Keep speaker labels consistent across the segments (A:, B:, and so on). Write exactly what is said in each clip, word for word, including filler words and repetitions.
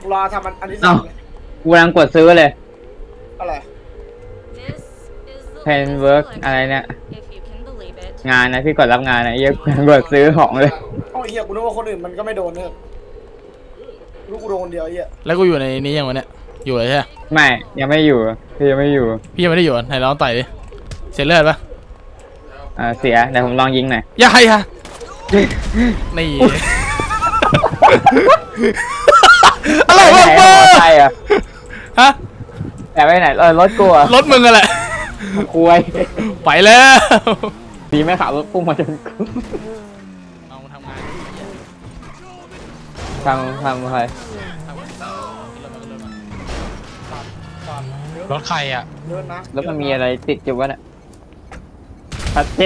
A: รอทำอันอันที่สอง
B: กูกำลังกดซื้อเลย
A: อะไร
B: เพนเวิร์กอะไรเนี่ยงานนะพี่กดรับงานนะเยอะกูกำลังกดซื้อของเลย
A: โอ้ยเหี้ยกูนึกว่าคนอื่นมันก็ไม่โดนเนี่ยลูกกูโดนคนเดียวไอ้เหี้ย
C: แล้วกูอยู่ในนี้ยังวะเนี่ยอยู่เลยใช่ไหม
B: ไม่ยังไม่อยู่พี่ยังไม่อยู่
C: พี่ยังไม่ได้อยู่ไหนลองต่อยดิเสียเลือดปะ
B: อ่าเสียเดี๋ยวผมลองยิงหน่อย
C: อย่าให้ฮะนี่อะไรวะเบอร์
B: ใช่อะ
C: ฮะ
B: แต่ไปไหนรถกูอะ
C: รถมึงอะไร
B: คุย
C: ไปแล้ว
B: ดีไม่ขับรถพุ่งมาจนกู
C: เอาทำงาน
B: ทำทำใคร
C: รถใครอ่ะ
B: แล้วมันมีอะไรติดอยู่วะเนี่ยพัดเจ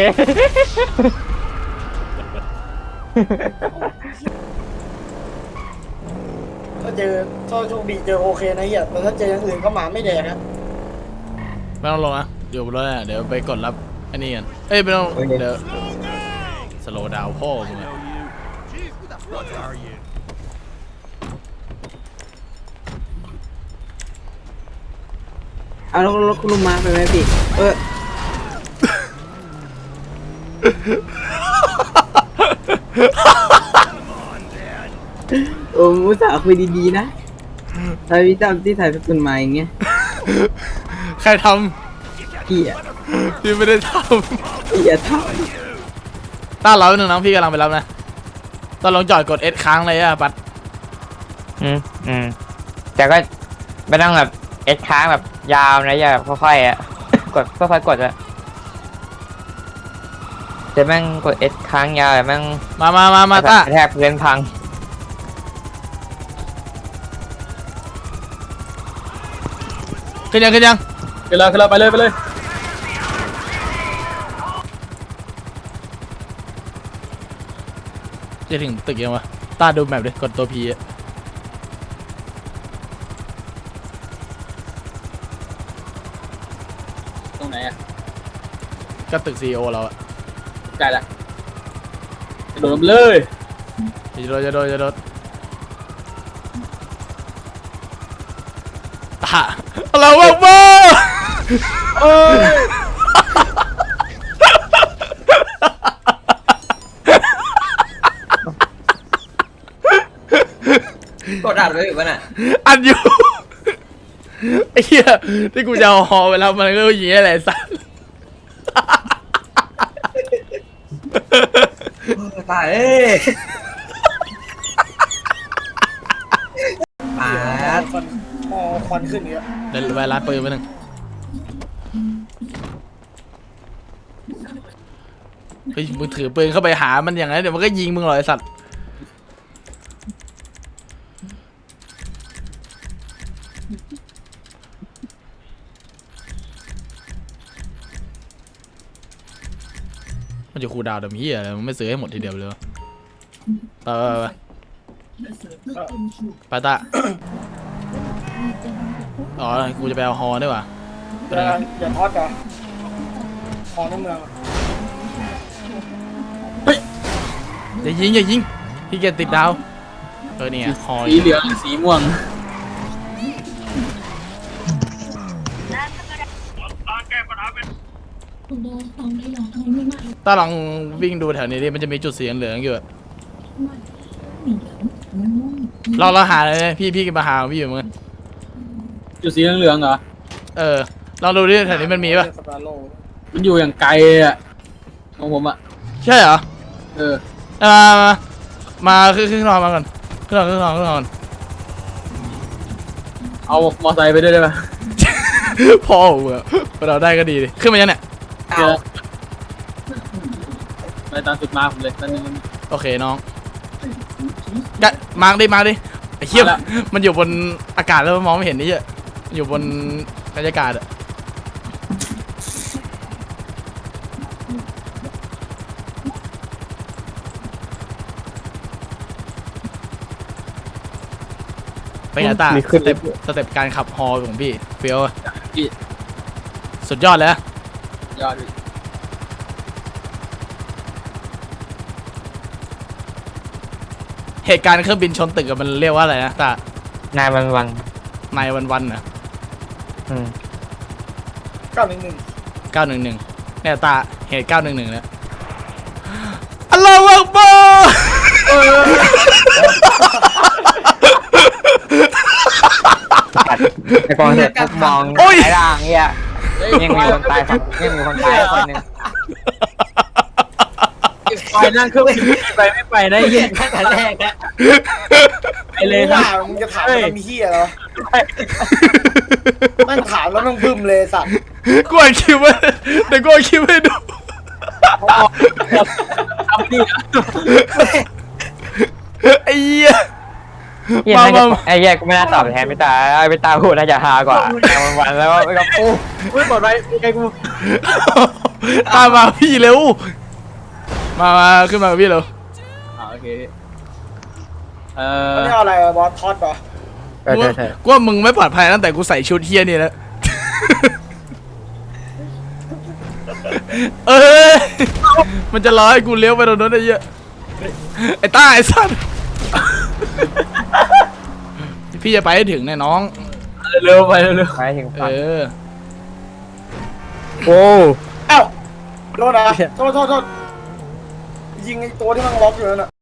A: ถ้าเจอถ้าโชคดีเจอโอเคนะเหี้ยแต่ถ้าเจออย่างอื่นก็หมาไม่แดกนะ
C: ไม่ต้องลงนะอยู่บนรถนะเดี๋ยวไปกดรับอันนี้กันเอ้ยไม่ต้องเดี๋ยวสโลว์ดาวพ่อมึงอะ
D: เอารถรถคุณลุงมาไปไหมพี่เออโอ้มุสาคุยดีๆนะถ้าพี่จำที่ถ่ายเป็นคนมาอย่างเงี้ย
C: ใครท
D: ำพี่อ่ะ
C: พี่ไม่ได้ท
D: ำพี่อ่ะท
C: ำต้าเราหนึ่งน้องพี่กำลังไปรับนะตอนลงจอดกดเอสค้างเลยอะปัด
B: อืมอืมแต่ก็ไม่ต้องแบบเอสค้างแบบยาวนะอย่าค่อยๆอ่ะกดค่อยๆกดอะจะแม่งกดเอสค้างยาวแต่แม่ง
C: มามามามาต้า
B: แทบเพื่อนพัง
C: ขึ้นยังขึ้นยัง
E: ขึ้นเลยขึ้นเลยไปเลยไปเลย
C: จะถึงตึกยังวะต้าดูแมพดิกดตัวพีอะ
E: ตรงไหนอ่ะ
C: ก็ตึกซีโอเราอะ
E: ใกล้ละโดดเลย
C: จะโดนจะโดนจะโดนตาอะไรวะบ้า
E: เอ้ย
D: กดอัดไว้อยู่ป่ะน่ะ
C: อัดอยู่ไอ้เหี้ยที่กูจะเอาฮอไปแล้วมันก็ยิงอะไรสัส
D: ตายเอ้ยปาด
A: ควันมอควันขึ้นเยอะ
C: เดี๋ยวไปร้านปืนไปหนึ่งเฮ้ยมึงถือปืนเข้าไปหามันอย่างไรเดี๋ยวมันก็ยิงมึงหรอไอ้สัตว์มันจะคูดาวดำเหี้ยอะไรมันไม่ซื้อให้หมดทีเดียวเลยวะไปไปไปตาอ๋อกูจะไปเอาฮอด้วยว่ะ
A: อย่าทอดกันของในเมือง
C: อย่ายิงอย่ายิงพี่เกียรติดดาวเออเนี่ยฮอ
E: สีเหลืองสีม่วง
C: ถ้าลองวิ่งดูแถวนี้ดิมันจะมีจุดสีเหลืองอยู่เราเราหาเลยพี่พี่มาหาพี่อยู่เหมือนกัน
E: จุดสีเหลืองเหรอ
C: เออลองดูดิแถวนี้มันมีป่ะ
E: มันอยู่อย่างไกลอ่ะของผมอ่ะ
C: ใช่เหรอ
E: เออ
C: มามามาขึ้นขึ้นนอนมาก่อนขึ้นนอนขึ้นนอนขึ้นนอน
E: เอามอไซค์ไปด้วยได้ไหม
C: พ่อเหรอเราได้ก็ดีดิขึ้นมายังเนี่ย
E: ไปตามสุดมาผมเลยนั่นนึง
C: โอเคน้องกะมาดิมาดิไอ้เหี้ยมันอยู่บนอากาศแล้วมองไม่เห็นนี่เยอะอยู่บนบรรยากาศอะไปไงตาสเต็ปสเต็ปการขับฮอของพี่เฟี้ยวสุดยอดเลย
E: ยอด
C: เหตุการณ์เครื่องบินชนตึกมันเรียกว่าอะไรนะตา
B: นายวันวัน
C: นายวันวันๆนะ
B: อืม
A: เก้าหนึ่งหนึ่ง
C: เก้าหนึ่งหนึ่งเนี่ยตาเหตุเก้าหนึ่งหนึ่งเนี่ยอัลลอฮฺอักบาร์
B: ไอ้กองเสร็จปุ๊บมองไอ้ล่างเนี่ยยังมีคนตายฝั่งยังมีคนตายคนหนึ่ง
E: ไปนั่งเครื่องบินไปไม่ไปได้เหี้ยตั้งแต่แรกอะไปเลย
A: ว่า
E: นะ
A: มึงจะถามว่ามีเฮียเหรอแม่งถามแล้วแม่งบึ้มเลยสัตว์
C: กูอัดคลิปไว้เดี๋ยวกูอัดคลิปให้ดู
E: ทำดีนะ
C: ไอ้เหี้ย
B: เหี้ยน่าจะไอ้เหี้ยกูไม่น่าตอบแทนพี่ตาไอ้พี่ตาพูดน่าจะฮากว่าแต่วันวันแล้วไม่กับปู
E: ไม่ปลอดภัยไกลกู
C: ตามมาพี่เร็วมามาขึ้นมากับพี่เร็ว
E: อ่าโอเคเอ่
A: อัน
E: อ
A: นี้อะไรอะบอสทอดเหรอ
B: เออ
C: กู
B: ใช่ใช่
C: กูว่ามึงไม่ปลอดภัยตั้งแต่กูใส่ชุดเฮียนี่แล้ว เออมันจะรอให้กูเลี้ยวไปตรงนั้นไอ้เหี้ยไอ้ต้าไอ้สัตว์พี่จะไปให้ถึงแน่น้อง
E: เร็วไปเร็ว
B: ไปถึง
C: เอ
B: ฝั่ง
C: อ
B: โอ้
A: เอ้าโดนนะโทษโทษโทษยิงไอ้ตัวที่มันล็อกอยู่นั่นน่ะ